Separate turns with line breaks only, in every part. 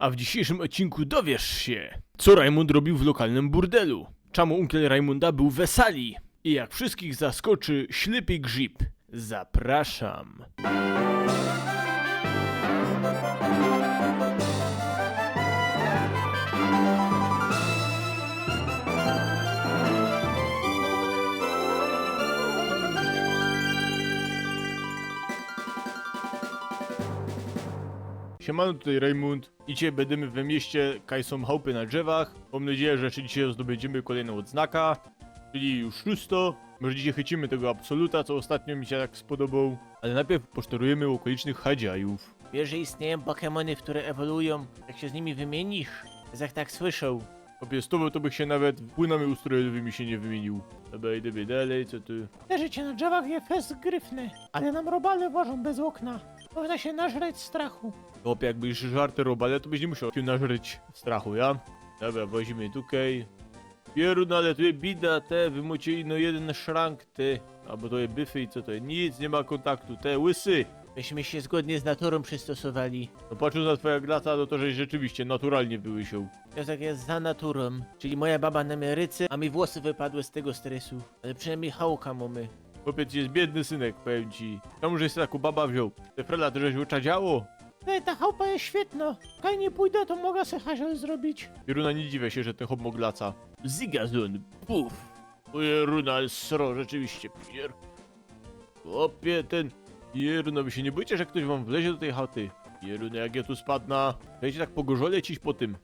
A w dzisiejszym odcinku dowiesz się, co Rajmund robił w lokalnym burdelu, czemu unkiel Rajmunda był w sali i jak wszystkich zaskoczy ślepy grzyb. Zapraszam. Siemano, tutaj Rajmund. Dzisiaj będziemy we mieście, kaj są chałupy na drzewach. Mam nadzieję, że dzisiaj zdobędziemy kolejną odznakę, czyli już 600. Może dzisiaj chycimy tego absoluta, co ostatnio mi się tak spodobał. Ale najpierw posztorujemy okolicznych hadziajów.
Wiesz, że istnieją Pokemony, które ewoluują, jak się z nimi wymienisz? Jak tak słyszał.
Obie z tobą to bych się nawet płynami ustrojowymi się nie wymienił. Dobra, idę dalej, co tu?
Te życie na drzewach je fest gryfne, ale nam robale ważą bez okna. Można się nażreć strachu.
Chłopie, jakbyś żarty robale, to byś nie musiał się nażreć strachu, ja? Dobra, wozimy tutaj. Pierun, ale tu jest bida, te, wymocie no jeden szrank, te. Albo to jest byfy i co to jest? Nic, nie ma kontaktu, te, łysy.
Myśmy się zgodnie z naturą przystosowali.
No patrząc na twoja glata, no to żeś rzeczywiście naturalnie wyłysiał.
Piosek jest za naturą, czyli moja baba na mnie rycy, a mi włosy wypadły z tego stresu. Ale przynajmniej chałka mamy.
Chłopiec jest biedny synek, powiem ci. Czemu żeś taką baba wziął? Te frela, to żeś uczadziało?
Ta chałupa jest świetna. Kaj nie pójdę, to mogę se haziel zrobić.
Pieruna, nie dziwię się, że ten hop moglaca. Zigazon, puf. Pieruna, sro, rzeczywiście, pier. Chłopie, ten... Pieruna, wy się nie boicie, że ktoś wam wlezie do tej chaty? Pieruna, jak ja tu spadnę, będziecie tak pogorzole ciś po tym.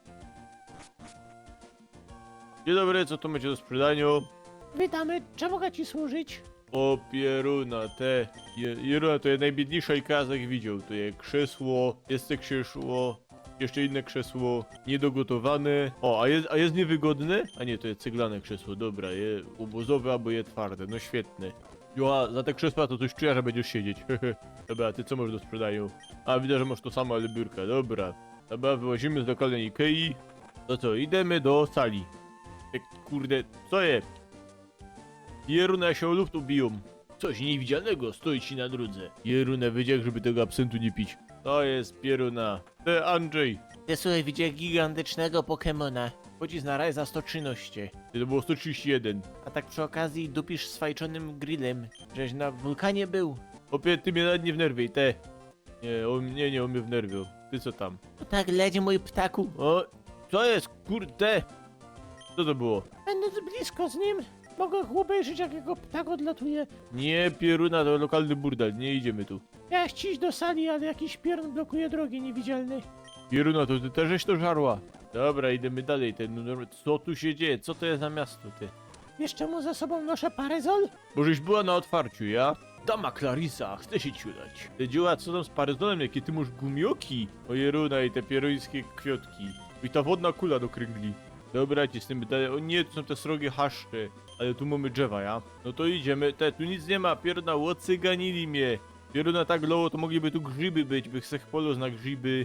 Dzień dobry, co to macie do sprzedania?
Witamy, czemu mogę ci służyć?
O pieruna, te... Pieruna to jest najbiedniejsza ikaz jak widział. To jest krzesło, jest te krzesło, jeszcze inne krzesło, niedogotowane. O, a jest niewygodne? A nie, to jest ceglane krzesło, dobra, je obozowe albo je twarde, no świetne. Jo, a za te krzesła to coś czuję, że będziesz siedzieć. Dobra, a ty co masz do sprzedania? A widzę, że masz to samo, ale biurka, dobra. Dobra, wyłazimy z lokalnej Ikei. To co, idziemy do sali. Kurde, co jest? Pieruna się o luftu biją. Coś niewidzialnego stoi ci na drodze. Pieruna wydział, żeby tego absentu nie pić. To jest Pieruna. Te Andrzej.
Ty słuchaj, widział gigantycznego Pokemona. Chodzi na raj za 113.
To było 131.
A tak przy okazji dupisz swajczonym grillem. Żeś na wulkanie był.
Opie, ty mnie nawet nie wnerwiej, te. Nie, on mnie wnerwiał. Ty co tam?
No tak, leć mój ptaku.
O, co jest, kurde? Co to było?
Będąc blisko z nim, mogę obejrzeć, jak jego ptak odlatuje.
Nie, Pieruna, to lokalny burdel, nie idziemy tu.
Miałeś iść do sali, ale jakiś piorun blokuje drogi niewidzialny.
Pieruna, to ty też żeś to żarła. Dobra, idziemy dalej, co tu się dzieje? Co to jest za miasto, ty?
Wiesz czemu za sobą noszę parezol?
Bo żeś była na otwarciu, ja? Dama Clarissa, chce się ciulać. Te dzieła, co tam z paryzonem, jakie ty masz gumioki? O Jeruna i te pieruńskie kwiotki. I ta wodna kula do kręgli. Dobra, ci z tym dalej. O nie, tu są te srogie haszcze. Ale tu mamy drzewa, ja? No to idziemy. Tu nic nie ma, pieruna, łocyganili mnie. Pieruna tak loło, to mogliby tu grzyby być, bych sech polo na grzyby.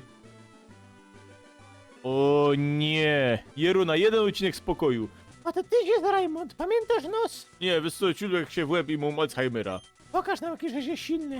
O nie. Jeruna, jeden odcinek spokoju.
A to ty jest Rajmund, pamiętasz nos?
Nie, wysoko ciulek się w łeb i mam Alzheimera.
Pokaż nam jakiś, że jest silny.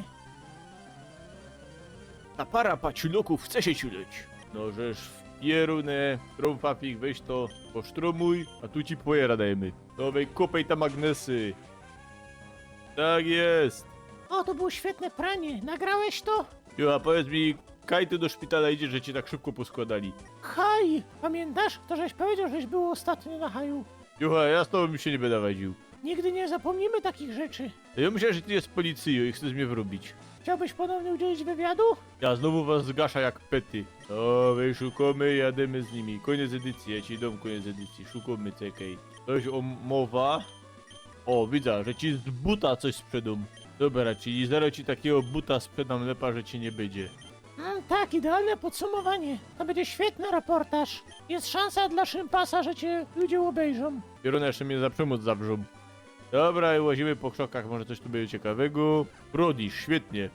Ta para paciuloków chce się ciuleć. No żeż w pierunę, trąfafik, weź to, posztromuj, a tu ci pojera dajemy. Nowej kopej ta magnesy. Tak jest.
O, to było świetne pranie. Nagrałeś to?
Jo, a powiedz mi, kaj ty do szpitala idzie, że cię tak szybko poskładali?
Haj! Pamiętasz? To żeś powiedział, żeś był ostatnio na haju.
Jucha, ja z tobą się nie będę wadził.
Nigdy nie zapomnimy takich rzeczy.
Ja myślę, że ty jest policją i chcesz mnie wrobić.
Chciałbyś ponownie udzielić wywiadu?
Ja znowu was zgasza jak pety. O, wy szukamy, jademy z nimi. Koniec edycji, ja ci dom koniec edycji. Szukamy, czekaj. Coś o mowa. O, widzę, że ci z buta coś sprzedam. Dobra, czyli zaraz ci takiego buta sprzedam lepa, że ci nie będzie.
Tak, idealne podsumowanie. To będzie świetny reportaż. Jest szansa dla szympasa, że cię ludzie obejrzą.
Pieruna jeszcze mnie za przemoc zawrzą. Dobra, i łazimy po krzakach, może coś tu będzie ciekawego. Brodisz, świetnie.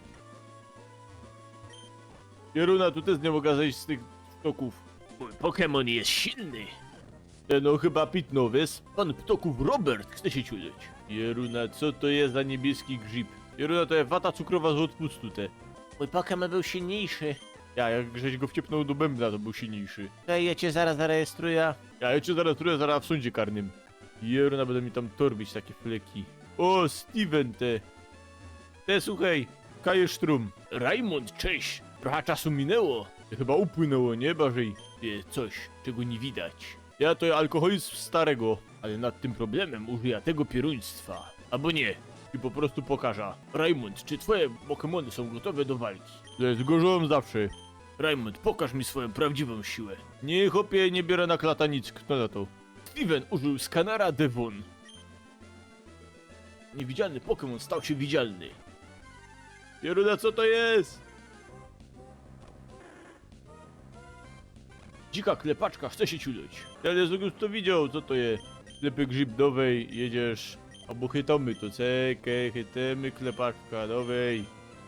Pieruna, tu też nie mogę zejść z tych ptoków.
Mój Pokemon jest silny.
No chyba pitno, wiesz? Pan ptoków Robert chce się ciuleć. Pieruna, co to jest za niebieski grzyb? Pieruna, to jest wata cukrowa z odpustu te.
Mój Pokemon był silniejszy.
Ja, jak żeś go wciepnął do bębna, to był silniejszy.
Ej, ja cię zaraz zarejestruję.
Ja cię zaraz w sądzie karnym. Jeruna, będą mi tam torbić takie fleki. O, Steven te słuchaj, Kajesztrum. Raimund, cześć. Trochę czasu minęło. Chyba upłynęło, nie, Barzej? Coś, czego nie widać. Ja to alkoholizm starego, ale nad tym problemem użyję tego pieruństwa. Albo nie, i po prostu pokażę. Raimund, czy twoje Pokemony są gotowe do walki? Zgorzyłem zawsze. Raimund, pokaż mi swoją prawdziwą siłę. Nie, chłopie, nie biorę na klata nic, kto na to? Steven użył skanera Devon. Niewidzialny Pokémon stał się widzialny. Pieruna, co to jest? Dzika klepaczka chce się ciuleć. Ja nie już to widział, co to jest? Sklepy grzyb dowej, jedziesz. Albo chytamy to, cekę, chytemy klepaczka, dowej.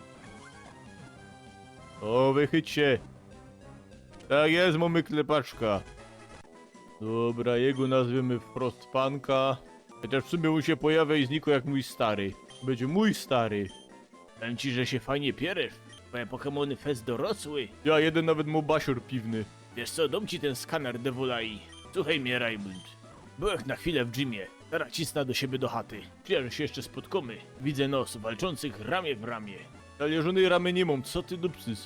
O, wychyć się. Tak jest, mamy klepaczka. Dobra, jego nazwiemy Frostpanka. Chociaż w sumie mu się pojawia i znikł jak mój stary. Będzie mój stary.
Powiem ci, że się fajnie pieresz. Twoje Pokemony fest dorosły.
Ja jeden nawet mu basior piwny.
Wiesz co, dam ci ten skaner Devolai. Słuchaj mnie, Raymond. Byłem na chwilę w gymie. Teraz cisnę do siebie do chaty. Czuję, że się jeszcze spotkamy. Widzę nos walczących ramię w ramię.
Ale żony ramy nie mam, co ty dupsys?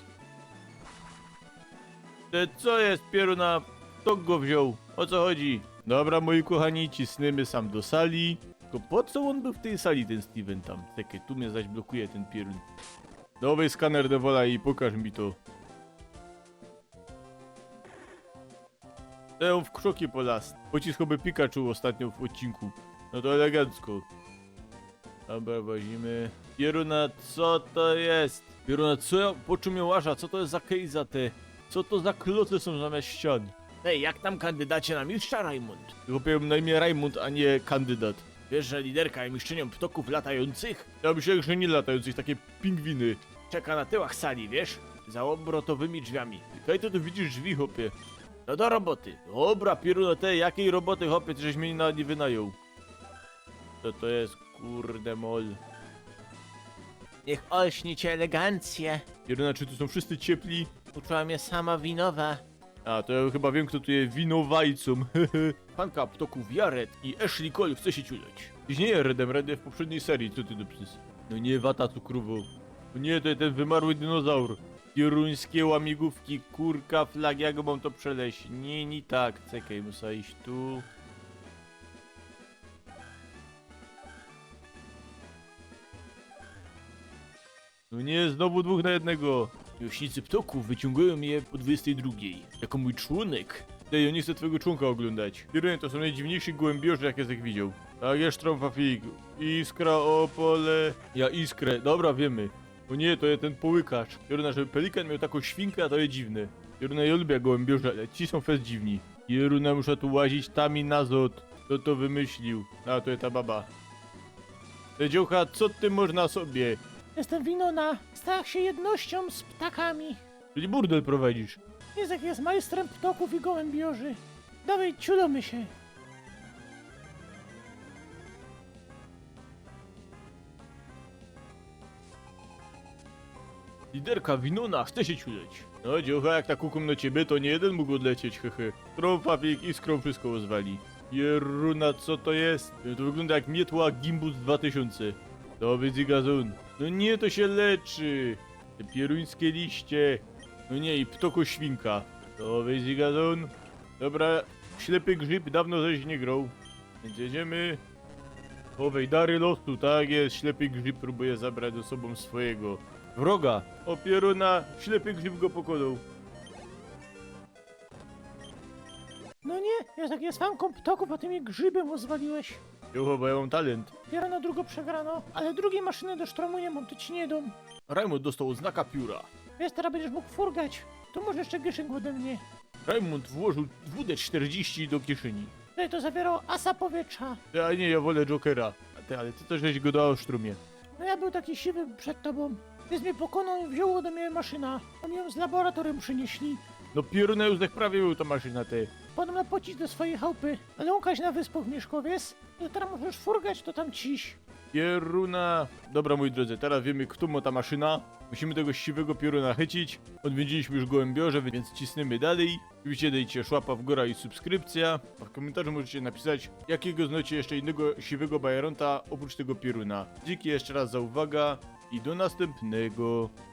Co jest, pieruna? Kto go wziął? O co chodzi? Dobra, moi kochani, cisnymy sam do sali. Tylko po co on był w tej sali, ten Steven tam? Czekaj, tu mnie zaś blokuje ten pierun. Nowy skaner Devola i pokaż mi to. On w krzoki polast. Pociskowy Pikachu ostatnio w odcinku. No to elegancko. Dobra, wozimy. Pieruna, co to jest? Pieruna, co ja poczumiałasza? Co to jest za kejza te? Co to za kloce są zamiast ścian?
Ej, jak tam kandydacie na mistrza, Raymond?
Chłopie, na imię Raimund, a nie kandydat.
Wiesz, że liderka i mistrzynią ptoków latających
Ja myślałem, że nie latających, takie pingwiny.
czeka na tyłach sali, wiesz? Za obrotowymi drzwiami.
Kaj to tu widzisz drzwi, chłopie?
No do roboty.
Dobra, pieruna, jakiej roboty, chłopie, ty żeś mnie nie wynajął? Co to jest, kurde mol?
Niech olśnie cię elegancję.
Pieruna, czy tu są wszyscy ciepli?
Uczyła mnie sama winowa.
A, to ja chyba wiem, kto tu jest winowajcą. Panka ptoków Jared i Ashley Cole chce się ciuleć. Tyś nie jest Redem, Red w poprzedniej serii, co ty dupsys? No nie, wata cukrowo. No nie, to jest ten wymarły dinozaur. Pieruńskie łamigłówki, kurka, flag, jak mam to przeleść? Nie tak, czekaj, muszę iść tu. No nie, znowu dwóch na jednego.
Miłośnicy ptoków wyciągają je po 22. Jako mój członek.
Ej, ja nie chcę twojego członka oglądać. Pierunie, to są najdziwniejsi gołębiorze, jakie jak widział. Tak jest, trąfafik. Iskra, opole. Ja iskrę, dobra, wiemy. O nie, to jest ten połykacz. Pieruna, żeby pelikan miał taką świnkę, a to jest dziwne. Pieruna, ja lubię gołębiorze, ale ci są fest dziwni. Pieruna, muszę tu łazić tam i nazot. Kto to wymyślił? A, to jest ta baba. Te dziołcha, co ty można sobie?
Jestem Winona. Stach się jednością z ptakami.
Czyli burdel prowadzisz.
Jezek jest majstrem ptoków i gołębiorzy. Dawaj, ciulomy się.
Liderka Winona chce się ciuleć. No dziołcha, jak tak kukum na ciebie, to nie jeden mógł odlecieć, hehe. Trąfafik iskrą wszystko rozwali. Jeruna, co to jest? To wygląda jak mietła Gimbus 2000. To będzie gazon. No nie, to się leczy. Te pieruńskie liście. No nie, i ptoko świnka. To będzie gazon. Dobra, ślepy grzyb dawno żeś nie grał. Więc jedziemy. Owej dary losu, tak jest. Ślepy grzyb próbuje zabrać ze sobą swojego wroga. O pieruna, ślepy grzyb go pokonał.
No nie, Jezek jest fanką ptoków, a ty mnie grzybem rozwaliłeś.
Jo, bo ja mam talent.
Biorę na drugą przegrano, ale drugiej maszyny do sztromu nie mam, to ci nie dam.
Raimund dostał znaka pióra.
Wiesz, teraz będziesz mógł furgać. To może jeszcze gieszynk ode mnie.
Raimund włożył WD-40 do kieszeni.
Tutaj to zawierało asa powietrza.
A nie, ja wolę Jokera. Ale ty też żeś go dał w sztrumie.
No ja był taki siwy przed tobą. Więc mnie pokonał i wziął ode mnie maszyna. Oni ją z laboratorium przynieśli.
No pieruna już tak prawie był ta maszyna te.
Potem na pocisk do swojej chałupy. Ale łąkać na wyspach mieszkowiec. I teraz możesz furgać, to tam ciś.
Pieruna. Dobra, moi drodzy, teraz wiemy, kto ma ta maszyna. Musimy tego siwego pioruna chycić. Odwiedziliśmy już gołębiorze, więc cisnemy dalej. Oczywiście dajcie łapa w górę i subskrypcja. A w komentarzu możecie napisać, jakiego znacie jeszcze innego siwego bajeronta oprócz tego pioruna. Dzięki jeszcze raz za uwagę i do następnego.